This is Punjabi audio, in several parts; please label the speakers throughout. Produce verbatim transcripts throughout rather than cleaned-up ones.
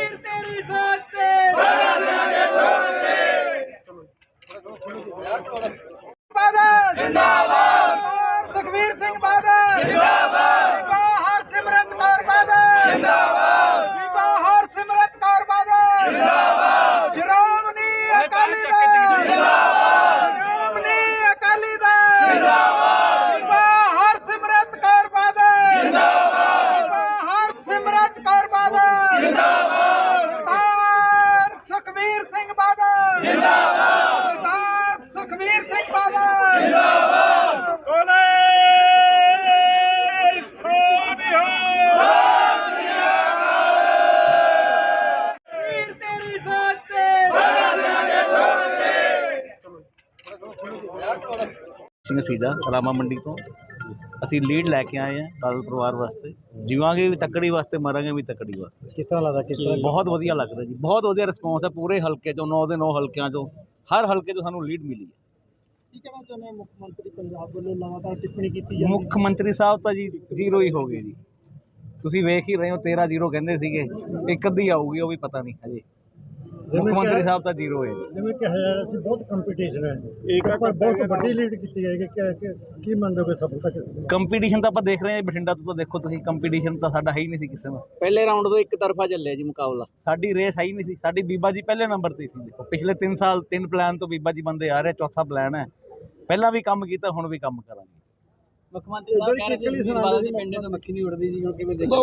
Speaker 1: ਵੀਰ ਤੇਰੀ ਸੋਚ ਤੇ ਬਾਦਲ ਜਿੰਦਾਬਾਦ, ਸੁਖਬੀਰ ਸਿੰਘ ਬਾਦਲ ਜਿੰਦਾਬਾਦ, ਹਰਸਿਮਰਤ ਕੌਰ ਬਾਦਲ ਜਿੰਦਾਬਾਦ, ਹਰਸਿਮਰਤ ਕੌਰ ਬਾਦਲ ਜਿੰਦਾਬਾਦ, ਸ਼੍ਰੋਮਣੀ ਅਕਾਲੀ ਦਲ ਜਿੰਦਾਬਾਦ, ਸ਼੍ਰੋਮਣੀ ਅਕਾਲੀ ਦਲ ਜਿੰਦਾਬਾਦ, ਹਰਸਿਮਰਤ ਕੌਰ ਬਾਦਲ ਜਿੰਦਾਬਾਦ, ਹਰਸਿਮਰਤ ਕੌਰ ਬਾਦਲ ਜਿੰਦਾਬਾਦ, ਸਰਦਾਰ ਸੁਖਬੀਰ ਸਿੰਘ ਬਾਦਲ ਜਿੰਦਾਬਾਦ, ਸਰਦਾਰ ਸੁਖਬੀਰ ਸਿੰਘ ਬਾਦਲ ਜਿੰਦਾਬਾਦ। ਬੋਲੇ ਸੋਨਿਹਾ ਵੀਰ ਤੇਰੀ ਸੋਚ ਤੇ
Speaker 2: ਸਿੰਘ ਸੀਜਾ ਰਾਮਾ ਮੰਡੀ ਤੋਂ ਅਸੀਂ ਲੀਡ ਲੈ ਕੇ ਆਏ ਹਾਂ ਬਾਦਲ ਪਰਿਵਾਰ ਵਾਸਤੇ। ਜੀਵਾਂਗੇ ਵੀ ਤੱਕੜੀ ਵਾਸਤੇ, ਮਰਾਂਗੇ ਵੀ ਤੱਕੜੀ ਵਾਸਤੇ।
Speaker 3: ਕਿਸ ਤਰ੍ਹਾਂ ਲੱਗਦਾ, ਕਿਸ ਤਰ੍ਹਾਂ
Speaker 2: ਬਹੁਤ ਵਧੀਆ ਲੱਗ ਰਿਹਾ ਜੀ, ਬਹੁਤ ਵਧੀਆ ਰਿਸਪੌਂਸ ਹੈ ਪੂਰੇ ਹਲਕੇ ਚੋਂ, ਨੌ ਦੇ ਨੌ ਹਲਕਿਆਂ ਚੋਂ ਹਰ ਹਲਕੇ ਚੋਂ ਸਾਨੂੰ ਲੀਡ ਮਿਲੀ ਹੈ।
Speaker 3: ਕੀ ਕਹਿਣਾ ਚਾਹੁੰਦੇ ਹੋ? ਮੁੱਖ ਮੰਤਰੀ ਪੰਜਾਬ ਵੱਲੋਂ ਲਗਾਤਾਰ ਟਿੱਪਣੀ ਕੀਤੀ ਜਾਂਦੀ
Speaker 2: ਮੁੱਖ ਮੰਤਰੀ ਸਾਹਿਬ ਤਾਂ ਜੀ ਜ਼ੀਰੋ ਹੀ ਹੋ ਗਏ ਜੀ, ਤੁਸੀਂ ਵੇਖ ਹੀ ਰਹੇ ਹੋ। ਤੇਰਾਂ ਜ਼ੀਰੋ ਕਹਿੰਦੇ ਸੀਗੇ, ਇੱਕ ਅੱਧੀ ਆਊਗੀ, ਉਹ ਵੀ ਪਤਾ ਨਹੀਂ ਹਜੇ। ਮੁੱਖ ਮੰਤਰੀ ਸਾਹਿਬ ਤਾਂ ਜ਼ੀਰੋ ਹੈ।
Speaker 3: ਜਿਵੇਂ ਕਿਹਾ ਜਾ ਰਿਹਾ ਸੀ ਬਹੁਤ ਕੰਪੀਟੀਸ਼ਨ ਹੈ, ਇੱਕ ਪਰ ਬਹੁਤ ਵੱਡੀ ਲੀਡ ਕੀਤੀ ਜਾਏਗੀ, ਕਿ ਕੀ ਮੰਨੋਗੇ ਸਫਲਤਾ ਕਿਸ ਦੀ?
Speaker 2: ਕੰਪੀਟੀਸ਼ਨ ਤਾਂ ਆਪਾਂ ਦੇਖ ਰਹੇ ਹਾਂ ਬਠਿੰਡਾ ਤੋਂ, ਤਾਂ ਦੇਖੋ ਤੁਸੀਂ ਕੰਪੀਟੀਸ਼ਨ ਤਾਂ ਸਾਡਾ ਹੈ ਹੀ ਨਹੀਂ ਸੀ ਕਿਸੇ ਨਾਲ। ਪਹਿਲੇ ਰਾਊਂਡ ਤੋਂ ਇੱਕ ਤਰਫਾ ਚੱਲਿਆ ਜੀ ਮੁਕਾਬਲਾ, ਸਾਡੀ ਰੇਸ ਹੈ ਹੀ ਨਹੀਂ ਸੀ। ਸਾਡੀ ਬੀਬਾ ਜੀ ਪਹਿਲੇ ਨੰਬਰ ਤੇ ਸੀ। ਦੇਖੋ ਪਿਛਲੇ ਤਿੰਨ ਸਾਲ ਤਿੰਨ ਪਲਾਨ ਤੋਂ ਬੀਬਾ ਜੀ ਬੰਦੇ ਆ ਰਹੇ, ਚੌਥਾ ਪਲਾਨ ਹੈ। ਪਹਿਲਾਂ ਵੀ ਕੰਮ ਕੀਤਾ, ਹੁਣ ਵੀ ਕੰਮ ਕਰਾਂਗੇ।
Speaker 1: ਮੁੱਖ ਮੰਤਰੀ ਸਾਹਿਬ ਕਹਿ ਰਹੇ ਸੀ ਬਾਦਲ ਦੇ ਪਿੰਡੇ ਤੋਂ ਮੱਖੀ ਨਹੀਂ ਉੜਦੀ ਜੀ, ਕਿਵੇਂ ਦੇਖੋ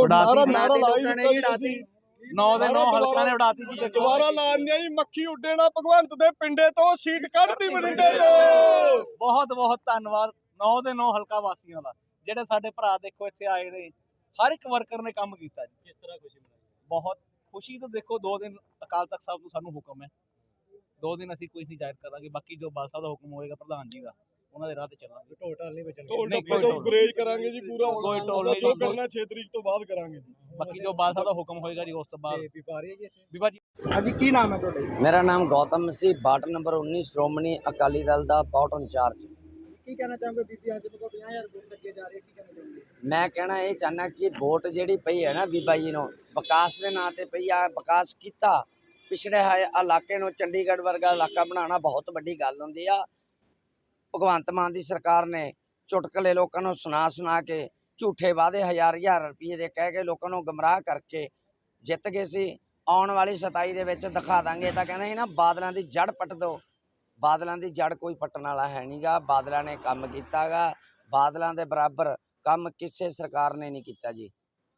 Speaker 2: ਉਡਾਤੀ ਨੌ ਦੇ ਨੌ ਹਲਕਿਆਂ ਨੇ ਉਡਾਤੀ ਜੀ। ਦੇਖੋ
Speaker 4: ਦੁਬਾਰਾ ਲਾਉਂਦੇ ਜੀ, ਮੱਖੀ ਉੱਡੇ ਨਾ ਭਗਵੰਤ ਦੇ ਪਿੰਡੇ ਤੋਂ, ਸੀਟ ਕੱਢਤੀ ਬਠਿੰਡੇ ਤੋਂ।
Speaker 2: ਬਹੁਤ ਬਹੁਤ ਧੰਨਵਾਦ ਨੌ ਦੇ ਨੌ ਹਲਕਾ ਵਾਸੀਆਂ ਦਾ, ਜਿਹੜੇ ਸਾਡੇ ਭਰਾ ਦੇਖੋ ਇੱਥੇ ਆਏ ਨੇ। ਹਰ ਇੱਕ ਵਰਕਰ ਨੇ ਕੰਮ ਕੀਤਾ ਜੀ।
Speaker 1: ਕਿਸ ਤਰ੍ਹਾਂ ਖੁਸ਼ੀ ਮਨਾਈ?
Speaker 2: ਬਹੁਤ ਖੁਸ਼ੀ ਤੋਂ ਦੇਖੋ, ਦੋ ਦਿਨ ਅਕਾਲ ਤਖਤ ਸਾਹਿਬ ਤੋਂ ਸਾਨੂੰ ਹੁਕਮ ਹੈ, ਦੋ ਦਿਨ ਅਸੀਂ ਕੋਈ ਨਹੀਂ ਜ਼ਾਹਿਰ ਕਰਾਂਗੇ। ਬਾਕੀ ਜੋ ਬਾਲ ਸਾਹਿਬ ਦਾ ਹੁਕਮ ਹੋਏਗਾ ਪ੍ਰਧਾਨ ਜੀ ਦਾ, ਉਹਨਾਂ ਦੇ ਰਾਹ ਤੇ ਚੱਲਾਂਗੇ।
Speaker 3: ਢੋਲ ਢਾਲ ਨਹੀਂ ਬਚਣਗੇ,
Speaker 4: ਢੋਲ
Speaker 2: ਨਹੀਂ,
Speaker 4: ਢੱਪੇ ਤੋਂ ਗਰੇਜ ਕਰਾਂਗੇ ਜੀ ਪੂਰਾ।
Speaker 2: ਕੋਈ ਢੋਲ ਨਹੀਂ,
Speaker 4: ਜੋ ਕਰਨਾ ਛੇ ਤਰੀਕ ਤੋਂ ਬਾਅਦ ਕਰਾਂਗੇ ਜੀ।
Speaker 2: ਬਾਕੀ ਜੋ ਬਾਲ ਸਾਹਿਬ ਦਾ ਹੁਕਮ ਹੋਏਗਾ ਜੀ, ਉਸ ਤੋਂ ਬਾਅਦ
Speaker 3: ਵੀ ਪਾ ਰਹੀ ਹੈ ਜੀ ਇੱਥੇ।
Speaker 2: ਬੀਬਾ ਜੀ।
Speaker 3: ਹਾਂਜੀ, ਕੀ ਨਾਮ ਹੈ ਤੁਹਾਡਾ?
Speaker 5: ਮੇਰਾ ਨਾਮ ਗੌਤਮ ਮਸੀਹ, ਵਾਰਡ ਨੰਬਰ ਉੱਨੀ, ਸ਼੍ਰੋਮਣੀ ਅਕਾਲੀ ਦਲ ਦਾ ਪਾਰਟ ਇੰਚਾਰਜ।
Speaker 3: ਕੀ ਕਹਿਣਾ ਚਾਹੋਗੇ? ਬੀਬੀ ਹਰਸਿਮਰਤ ਕੌਰ ਪੰਜਾਹ ਹਜ਼ਾਰ ਵੋਟ ਲੱਗੇ ਜਾ ਰਹੀ ਹੈ, ਕੀ ਕਹਿਣਾ ਚਾਹੋਗੇ?
Speaker 5: ਮੈਂ ਕਹਿਣਾ ਇਹ ਚਾਹੁੰਦਾ ਕਿ ਵੋਟ ਜਿਹੜੀ ਪਈ ਹੈ ਨਾ ਬੀਬਾ ਜੀ ਨੂੰ, ਵਿਕਾਸ ਦੇ ਨਾਂ ਤੇ ਪਈ ਆ। ਵਿਕਾਸ ਕੀਤਾ ਪਿਛੜੇ ਹੋਏ ਇਲਾਕੇ ਨੂੰ ਚੰਡੀਗੜ੍ਹ ਵਰਗਾ ਇਲਾਕਾ ਬਣਾਉਣਾ ਬਹੁਤ ਵੱਡੀ ਗੱਲ ਹੁੰਦੀ ਆ। ਭਗਵੰਤ ਮਾਨ ਦੀ ਸਰਕਾਰ ਨੇ ਚੁਟਕਲੇ ਲੋਕਾਂ ਨੂੰ ਸੁਣਾ ਸੁਣਾ ਕੇ, ਝੂਠੇ ਵਾਅਦੇ ਹਜ਼ਾਰ ਹਜ਼ਾਰ ਰੁਪਏ ਦੇ ਕਹਿ ਕੇ ਲੋਕਾਂ ਨੂੰ ਗੁੰਮਰਾਹ ਕਰਕੇ ਜਿੱਤ ਗਏ ਸੀ। ਆਉਣ ਵਾਲੀ ਸਤਾਈ ਦੇ ਵਿੱਚ ਦਿਖਾ ਦਾਂਗੇ। ਤਾਂ ਕਹਿੰਦੇ ਸੀ ਨਾ, ਬਾਦਲਾਂ ਦੀ ਜੜ ਪੱਟ ਦਿਓ। ਬਾਦਲਾਂ ਦੀ ਜੜ ਕੋਈ ਪੱਟਣ ਵਾਲਾ ਹੈ ਨਹੀਂ ਗਾ। ਬਾਦਲਾਂ ਨੇ ਕੰਮ ਕੀਤਾ ਗਾ, ਬਾਦਲਾਂ ਦੇ ਬਰਾਬਰ ਕੰਮ ਕਿਸੇ ਸਰਕਾਰ ਨੇ ਨਹੀਂ ਕੀਤਾ ਜੀ।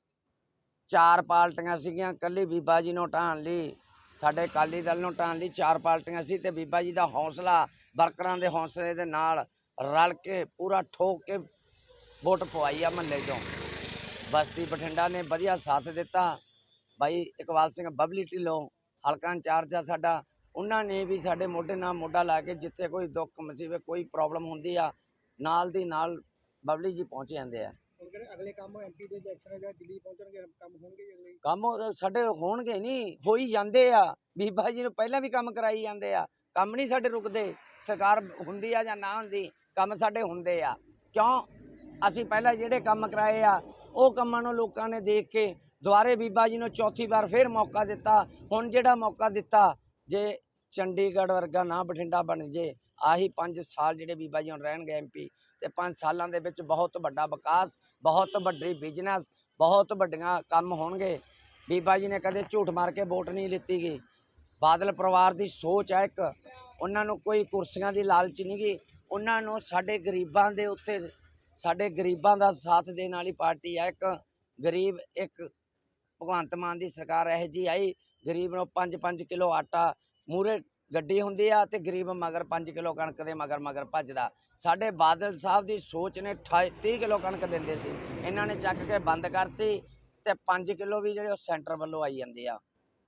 Speaker 5: ਚਾਰ ਪਾਰਟੀਆਂ ਸੀਗੀਆਂ, ਕੱਲੀ ਬੀਬਾ ਜੀ ਨੂੰ ਢਾਣ ਲਈ, ਸਾਡੇ ਅਕਾਲੀ ਦਲ ਨੂੰ ਢਾਣ ਲਈ ਚਾਰ ਪਾਰਟੀਆਂ ਸੀ, ਤੇ ਬੀਬਾ ਜੀ ਦਾ ਹੌਸਲਾ, ਵਰਕਰਾਂ ਦੇ ਹੌਸਲੇ ਦੇ ਨਾਲ ਰਲ ਕੇ ਪੂਰਾ ਠੋਕ ਕੇ ਵੋਟ ਪਵਾਈ ਆ ਮਹੱਲੇ ਚੋਂ। ਬਸਤੀ ਬਠਿੰਡਾ ਨੇ ਵਧੀਆ ਸਾਥ ਦਿੱਤਾ। ਬਾਈ ਇਕਬਾਲ ਸਿੰਘ ਬਬਲੀ ਢਿੱਲੋਂ ਹਲਕਾ ਇੰਚਾਰਜ ਆ ਸਾਡਾ, ਉਹਨਾਂ ਨੇ ਵੀ ਸਾਡੇ ਮੋਢੇ ਨਾਲ ਮੋਢਾ ਲਾ ਕੇ, ਜਿੱਥੇ ਕੋਈ ਦੁੱਖ ਮੁਸੀਬਤ ਕੋਈ ਪ੍ਰੋਬਲਮ ਹੁੰਦੀ ਆ, ਨਾਲ ਦੀ ਨਾਲ ਬਬਲੀ ਜੀ ਪਹੁੰਚ ਜਾਂਦੇ ਆ।
Speaker 3: ਅਗਲੇ ਕੰਮ ਐਮਪੀ ਦੇ ਇਲੈਕਸ਼ਨ ਜਾਂ ਦਿੱਲੀ ਪਹੁੰਚਣਗੇ, ਕੰਮ ਹੋਣਗੇ ਜੀ ਅਗਲੇ?
Speaker 5: ਕੰਮ ਸਾਡੇ ਹੋਣਗੇ ਨਹੀਂ, ਹੋ ਹੀ ਜਾਂਦੇ ਆ। ਬੀਬਾ ਜੀ ਨੂੰ ਪਹਿਲਾਂ ਵੀ ਕੰਮ ਕਰਾਈ ਜਾਂਦੇ ਆ। ਕੰਮ ਨਹੀਂ ਸਾਡੇ ਰੁਕਦੇ, ਸਰਕਾਰ ਹੁੰਦੀ ਆ ਜਾਂ ਨਾ ਹੁੰਦੀ, ਕੰਮ ਸਾਡੇ ਹੁੰਦੇ ਆ। ਕਿਉਂ? ਅਸੀਂ ਪਹਿਲਾਂ ਜਿਹੜੇ ਕੰਮ ਕਰਾਏ ਆ, ਉਹ ਕੰਮਾਂ ਨੂੰ ਲੋਕਾਂ ਨੇ ਦੇਖ ਕੇ ਦੁਬਾਰੇ ਬੀਬਾ ਜੀ ਨੂੰ ਚੌਥੀ ਵਾਰ ਫਿਰ ਮੌਕਾ ਦਿੱਤਾ। ਹੁਣ ਜਿਹੜਾ ਮੌਕਾ ਦਿੱਤਾ, ਜੇ ਚੰਡੀਗੜ੍ਹ ਵਰਗਾ ਨਾ ਬਠਿੰਡਾ ਬਣ ਜੇ, ਆਹੀ ਪੰਜ ਸਾਲ ਜਿਹੜੇ ਬੀਬਾ ਜੀ ਹੁਣ ਰਹਿਣਗੇ ਐਮਪੀ, ਤੇ ਪੰਜ ਸਾਲਾਂ ਦੇ ਵਿੱਚ ਬਹੁਤ ਵੱਡਾ ਵਿਕਾਸ, ਬਹੁਤ ਵੱਡੀ ਬਿਜ਼ਨਸ, ਬਹੁਤ ਵੱਡੀਆਂ ਕੰਮ ਹੋਣਗੇ। ਬੀਬਾ ਜੀ ਨੇ ਕਦੇ ਝੂਠ ਮਾਰ ਕੇ ਵੋਟ ਨਹੀਂ ਲਿੱਤੀ ਗਈ। ਬਾਦਲ ਪਰਿਵਾਰ ਦੀ ਸੋਚ ਹੈ ਇੱਕ, ਉਹਨਾਂ ਨੂੰ ਕੋਈ ਕੁਰਸੀਆਂ ਦੀ ਲਾਲਚ ਨਹੀਂ ਗੀ। ਉਹਨਾਂ ਨੂੰ ਸਾਡੇ ਗਰੀਬਾਂ ਦੇ ਉੱਤੇ, ਸਾਡੇ ਗਰੀਬਾਂ ਦਾ ਸਾਥ ਦੇਣ ਵਾਲੀ ਪਾਰਟੀ ਹੈ ਇੱਕ। ਗਰੀਬ ਇੱਕ ਭਗਵੰਤ ਮਾਨ ਦੀ ਸਰਕਾਰ ਇਹੋ ਜਿਹੀ ਆਈ, ਗਰੀਬ ਨੂੰ ਪੰਜ ਪੰਜ ਕਿਲੋ ਆਟਾ ਮੂਹਰੇ ਗੱਡੀ ਹੁੰਦੀ ਆ, ਤੇ ਗਰੀਬ ਮਗਰ ਪੰਜ ਕਿਲੋ ਕਣਕ ਦੇ ਮਗਰ ਮਗਰ ਭੱਜਦਾ। ਸਾਡੇ ਬਾਦਲ ਸਾਹਿਬ ਦੀ ਸੋਚ ਨੇ ਤੀਹ ਕਿਲੋ ਕਣਕ ਦਿੰਦੇ ਸੀ, ਇਹਨਾਂ ਨੇ ਚੱਕ ਕੇ ਬੰਦ ਕਰਤੀ, ਤੇ ਪੰਜ ਕਿਲੋ ਵੀ ਜਿਹੜੇ ਉਹ ਸੈਂਟਰ ਵੱਲੋਂ ਆਈ ਜਾਂਦੇ ਆ।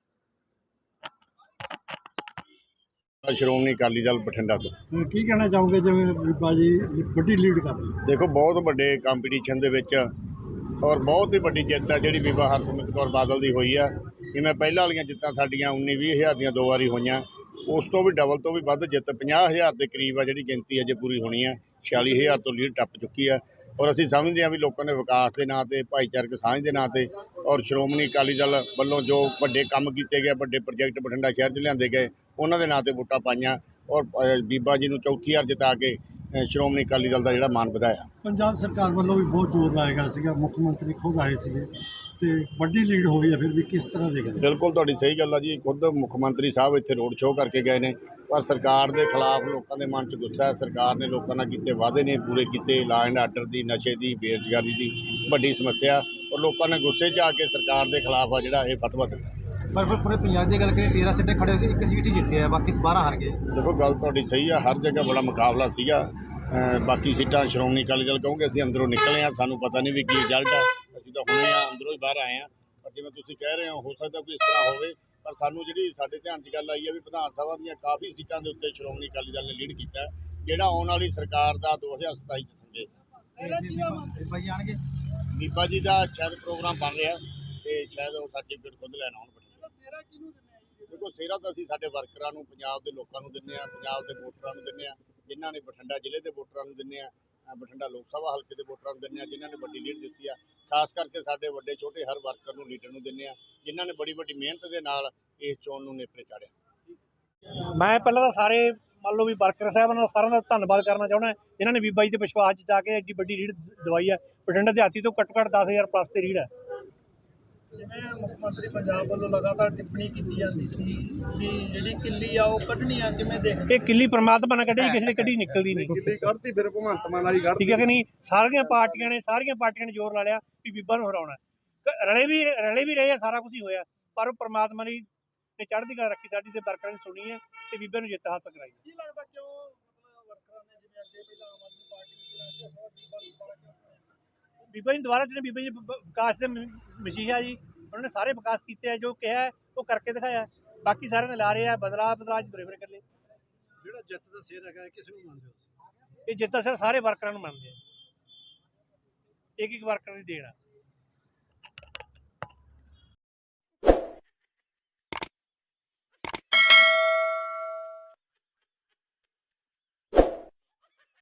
Speaker 4: ਸ਼੍ਰੋਮਣੀ ਅਕਾਲੀ ਦਲ ਬਠਿੰਡਾ ਤੋਂ
Speaker 3: ਕੀ ਕਹਿਣਾ ਚਾਹੋਗੇ? ਜਿਵੇਂ ਬੀਬਾ ਜੀ ਵੱਡੀ ਲੀਡ ਕਰ ਰਹੀ ਹੈ,
Speaker 4: ਦੇਖੋ ਬਹੁਤ ਵੱਡੇ ਕੰਪੀਟੀਸ਼ਨ ਦੇ ਵਿੱਚ, ਔਰ ਬਹੁਤ ਹੀ ਵੱਡੀ ਜਿੱਤ ਆ ਜਿਹੜੀ ਬੀਬਾ ਹਰਸਿਮਰਤ ਕੌਰ ਬਾਦਲ ਦੀ ਹੋਈ ਆ। ਜਿਵੇਂ ਪਹਿਲਾਂ ਵਾਲੀਆਂ ਜਿੱਤਾਂ ਸਾਡੀਆਂ ਉੱਨੀ ਵੀਹ ਹਜ਼ਾਰ ਦੀਆਂ ਦੋ ਵਾਰੀ ਹੋਈਆਂ, ਉਸ ਤੋਂ ਵੀ ਡਬਲ ਤੋਂ ਵੀ ਵੱਧ ਜਿੱਤ, ਪੰਜਾਹ ਹਜ਼ਾਰ ਦੇ ਕਰੀਬ ਆ ਜਿਹੜੀ ਗਿਣਤੀ ਅਜੇ ਪੂਰੀ ਹੋਣੀ ਆ। ਛਿਆਲੀ ਹਜ਼ਾਰ ਤੋਂ ਲੀਡ ਟੱਪ ਚੁੱਕੀ ਆ। ਔਰ ਅਸੀਂ ਸਮਝਦੇ ਹਾਂ ਵੀ ਲੋਕਾਂ ਨੇ ਵਿਕਾਸ ਦੇ ਨਾਂ 'ਤੇ, ਭਾਈਚਾਰਕ ਸਾਂਝ ਦੇ ਨਾਂ 'ਤੇ ਔਰ ਸ਼੍ਰੋਮਣੀ ਅਕਾਲੀ ਦਲ ਵੱਲੋਂ ਜੋ ਵੱਡੇ ਕੰਮ ਕੀਤੇ ਗਏ, ਵੱਡੇ ਪ੍ਰੋਜੈਕਟ ਬਠਿੰਡਾ ਸ਼ਹਿਰ 'ਚ ਲਿਆਂਦੇ ਗਏ, ਉਹਨਾਂ ਦੇ ਨਾਂ 'ਤੇ ਵੋਟਾਂ ਪਾਈਆਂ ਔਰ ਅ, ਬੀਬਾ ਜੀ ਨੂੰ ਚੌਥੀ ਵਾਰ ਜਿਤਾ ਕੇ ਅ, ਸ਼੍ਰੋਮਣੀ ਅਕਾਲੀ ਦਲ ਦਾ ਜਿਹੜਾ ਮਾਣ ਵਧਾਇਆ।
Speaker 3: ਪੰਜਾਬ ਸਰਕਾਰ ਵੱਲੋਂ ਵੀ ਬਹੁਤ ਜ਼ੋਰ ਲਾਇਆ ਗਿਆ ਸੀਗਾ, ਮੁੱਖ ਮੰਤਰੀ ਖੁਦ ਆਏ ਸੀਗੇ ਤੇ ਵੱਡੀ ਲੀਡ ਹੋਈ ਹੈ, ਫਿਰ ਵੀ ਕਿਸ ਤਰ੍ਹਾਂ ਦੇਖਦੇ?
Speaker 4: ਬਿਲਕੁਲ ਤੁਹਾਡੀ ਸਹੀ ਗੱਲ ਆ ਜੀ। ਖੁਦ ਮੁੱਖ ਮੰਤਰੀ ਸਾਹਿਬ ਇੱਥੇ ਰੋਡ ਸ਼ੋਅ ਕਰਕੇ ਗਏ ਨੇ, ਪਰ ਸਰਕਾਰ ਦੇ ਖਿਲਾਫ ਲੋਕਾਂ ਦੇ ਮਨ 'ਚ ਗੁੱਸਾ ਹੈ। ਸਰਕਾਰ ਨੇ ਲੋਕਾਂ ਨਾਲ ਕੀਤੇ ਵਾਅਦੇ ਨਹੀਂ ਪੂਰੇ ਕੀਤੇ। ਲਾ ਐਂਡ ਆਰਡਰ ਦੀ, ਨਸ਼ੇ ਦੀ, ਬੇਰੁਜ਼ਗਾਰੀ ਦੀ ਵੱਡੀ ਸਮੱਸਿਆ, ਔਰ ਲੋਕਾਂ ਨੇ ਗੁੱਸੇ 'ਚ ਆ ਕੇ ਸਰਕਾਰ ਦੇ ਖਿਲਾਫ ਆ ਜਿਹੜਾ ਇਹ ਫਤਵਾ ਦਿੱਤਾ।
Speaker 6: ਪਰ ਫਿਰ ਪੂਰੇ ਪੰਜਾਬ ਦੀ ਗੱਲ ਕਰੀਏ, ਤੇਰਾਂ ਸੀਟਾਂ ਖੜੇ ਸੀ, ਇੱਕ ਸੀਟ ਹੀ ਜਿੱਤੇ ਆ, ਬਾਕੀ ਬਾਰਾਂ ਹਾਰ ਗਏ।
Speaker 4: ਦੇਖੋ ਗੱਲ ਤੁਹਾਡੀ ਸਹੀ ਆ, ਹਰ ਜਗ੍ਹਾ ਬੜਾ ਮੁਕਾਬਲਾ ਸੀਗਾ। ਅ, ਬਾਕੀ ਸੀਟਾਂ ਸ਼੍ਰੋਮਣੀ ਅਕਾਲੀ ਦਲ ਕਹੋਗੇ, ਅਸੀਂ ਅੰਦਰੋਂ ਨਿਕਲੇ ਆ, ਸਾਨੂੰ ਪਤਾ ਨਹੀਂ ਵੀ ਕੀ ਰਿਜ਼ਲਟ ਆ। ਅਸੀਂ ਤਾਂ ਹੁਣੇ ਆ ਅੰਦਰੋਂ ਹੀ ਬਾਹਰ ਆਏ ਆ, ਪਰ ਜਿਵੇਂ ਤੁਸੀਂ ਕਹਿ ਰਹੇ ਹੋ, ਹੋ ਸਕਦਾ ਕੋਈ ਇਸ ਤਰ੍ਹਾਂ ਹੋਵੇ, ਪਰ ਸਾਨੂੰ ਜਿਹੜੀ ਸਾਡੇ ਧਿਆਨ 'ਚ ਗੱਲ ਆਈ ਹੈ ਵੀ ਵਿਧਾਨ ਸਭਾ ਦੀਆਂ ਕਾਫੀ ਸੀਟਾਂ ਦੇ ਉੱਤੇ ਸ਼੍ਰੋਮਣੀ ਅਕਾਲੀ ਦਲ ਨੇ ਲੀਡ ਕੀਤਾ, ਜਿਹੜਾ ਆਉਣ ਵਾਲੀ ਸਰਕਾਰ ਦਾ ਦੋ ਹਜ਼ਾਰ ਸਤਾਈ 'ਚ ਸੰਗੇ
Speaker 6: ਬੀਬਾ ਜੀ ਆਣਗੇ।
Speaker 4: ਬੀਬਾ ਜੀ ਦਾ ਸ਼ਾਇਦ ਪ੍ਰੋਗਰਾਮ ਬਣ ਰਿਹਾ ਤੇ ਸ਼ਾਇਦ ਉਹ ਸਰਟੀਫਿਕੇਟ ਖੁਦ ਲੈਣ ਆਉਣ। ਦੇਖੋ ਸਿਹਰਾ ਤਾਂ ਅਸੀਂ ਸਾਡੇ ਵਰਕਰਾਂ ਨੂੰ, ਪੰਜਾਬ ਦੇ ਲੋਕਾਂ ਨੂੰ ਦਿੰਦੇ ਆ, ਪੰਜਾਬ ਦੇ ਵੋਟਰਾਂ ਨੂੰ ਦਿੰਦੇ ਆ, ਜਿਨ੍ਹਾਂ ਨੇ ਬਠਿੰਡਾ ਜ਼ਿਲ੍ਹੇ ਦੇ ਵੋਟਰਾਂ ਨੂੰ ਦਿੰਦੇ ਆ, ਬਠਿੰਡਾ ਲੋਕ ਸਭਾ ਹਲਕੇ ਦੇ ਵੋਟਰਾਂ ਨੂੰ ਦਿੰਦੇ ਆ, ਜਿਨ੍ਹਾਂ ਨੇ ਵੱਡੀ ਲੀਡ ਦਿੱਤੀ ਆ। ਖਾਸ ਕਰਕੇ ਸਾਡੇ ਵੱਡੇ ਛੋਟੇ ਹਰ ਵਰਕਰ ਨੂੰ, ਲੀਡਰ ਨੂੰ ਦਿੰਦੇ ਆ, ਜਿਨ੍ਹਾਂ ਨੇ ਬੜੀ ਵੱਡੀ ਮਿਹਨਤ ਦੇ ਨਾਲ ਇਸ ਚੋਣ ਨੂੰ ਨੇਪਰੇ ਚਾੜਿਆ।
Speaker 7: ਮੈਂ ਪਹਿਲਾਂ ਤਾਂ ਸਾਰੇ ਮੰਨ ਲਓ ਵੀ ਵਰਕਰ ਸਾਹਿਬਾਂ ਦਾ ਸਾਰਿਆਂ ਦਾ ਧੰਨਵਾਦ ਕਰਨਾ ਚਾਹੁੰਦਾ, ਜਿਨ੍ਹਾਂ ਨੇ ਬੀਬਾ ਜੀ ਦੇ ਵਿਸ਼ਵਾਸ 'ਚ ਜਾ ਕੇ ਐਡੀ ਵੱਡੀ ਰੀੜ ਦਵਾਈ ਹੈ। ਬਠਿੰਡਾ ਦਿਹਾਤੀ ਤੋਂ ਘੱਟੋ ਘੱਟ ਦਸ ਹਜ਼ਾਰ ਪਲੱਸ ਤੇ ਰੀੜ ਹੈ।
Speaker 3: ਜਿਵੇਂ ਮੁੱਖ ਮੰਤਰੀ ਪੰਜਾਬ ਵੱਲੋਂ ਲਗਾਤਾਰ ਟਿੱਪਣੀ ਕੀਤੀ ਜਾਂਦੀ ਸੀ ਕਿ ਜਿਹੜੀ ਕਿੱਲੀ ਆ ਉਹ ਕੱਢਣੀ ਆ, ਕਿਵੇਂ ਦੇਖਦੇ?
Speaker 7: ਇਹ ਕਿੱਲੀ ਪ੍ਰਮਾਤਮਾ ਨੇ ਕੱਢੀ, ਕਿਸੇ ਦੀ ਕੱਢੀ ਨਿਕਲਦੀ ਨਹੀਂ।
Speaker 3: ਕਿੱਲੀ ਕੱਢਤੀ ਫਿਰ ਭਗਵੰਤ ਮਾਨ ਵਾਲੀ ਕੱਢਤੀ,
Speaker 7: ਠੀਕ ਹੈ ਕਿ ਨਹੀਂ? ਸਾਰੀਆਂ ਪਾਰਟੀਆਂ ਨੇ ਸਾਰੀਆਂ ਪਾਰਟੀਆਂ ਨੇ ਜ਼ੋਰ ਲਾ ਲਿਆ ਵੀ ਬੀਬਾ ਨੂੰ ਹਰਾਉਣਾ। ਰਲੇ ਵੀ ਰਲੇ ਵੀ ਰਹੇ ਆ, ਸਾਰਾ ਕੁਝ ਹੀ ਹੋਇਆ, ਪਰ ਉਹ ਪ੍ਰਮਾਤਮਾ ਨੇ ਨੇ ਚੜ੍ਹਦੀ ਕਲਾ ਰੱਖੀ, ਸਾਡੀ ਤੇ ਵਰਕਰਾਂ ਨੇ ਸੁਣੀ ਹੈ ਤੇ ਬੀਬਾ ਨੂੰ ਜਿੱਤ ਹਾਸਲ ਕਰਾਈ।
Speaker 3: ਕੀ ਲੱਗਦਾ ਕਿਉਂ ਮਤਲਬ ਵਰਕਰਾਂ ਨੇ ਜਿਵੇਂ ਅੱਗੇ ਪਹਿਲਾਂ ਆਮ ਆਦਮੀ ਪਾਰਟੀ ਨੂੰ ਚੁਣਿਆ ਸੀ, ਬੀਬਾ ਨੂੰ ਦੁਬਾਰਾ ਕਿਉਂ?
Speaker 7: ਬੀਬਾ ਜੀ ਦੁਬਾਰਾ ਜਿਹੜੇ ਬੀਬਾ ਜੀ ਵਿਕਾਸ ਦੇ ਮਸੀਹਾ ਜੀ, ਉਹਨਾਂ ਨੇ ਸਾਰੇ ਵਿਕਾਸ ਕੀਤੇ ਆ, ਜੋ ਕਿਹਾ ਉਹ ਕਰਕੇ ਦਿਖਾਇਆ। ਬਾਕੀ ਸਾਰਿਆਂ ਨੇ ਲਾ ਰਹੇ ਆ ਬਦਲਾਅ ਬਦਲਾਅ ਤੁਰੇ ਫਿਰੇ ਇਕੱਲੇ।
Speaker 3: ਜਿਹੜਾ ਜਿੱਤ ਦਾ ਸਿਰ ਹੈਗਾ ਕਿਸ ਨੂੰ ਮੰਨਦੇ ਹੋ?
Speaker 7: ਇਹ ਜਿੱਤ ਦਾ ਸਿਰ ਸਾਰੇ ਵਰਕਰਾਂ ਨੂੰ ਮੰਨਦੇ ਆ, ਇੱਕ ਇੱਕ ਵਰਕਰਾਂ ਦੀ ਦੇਣ ਆ।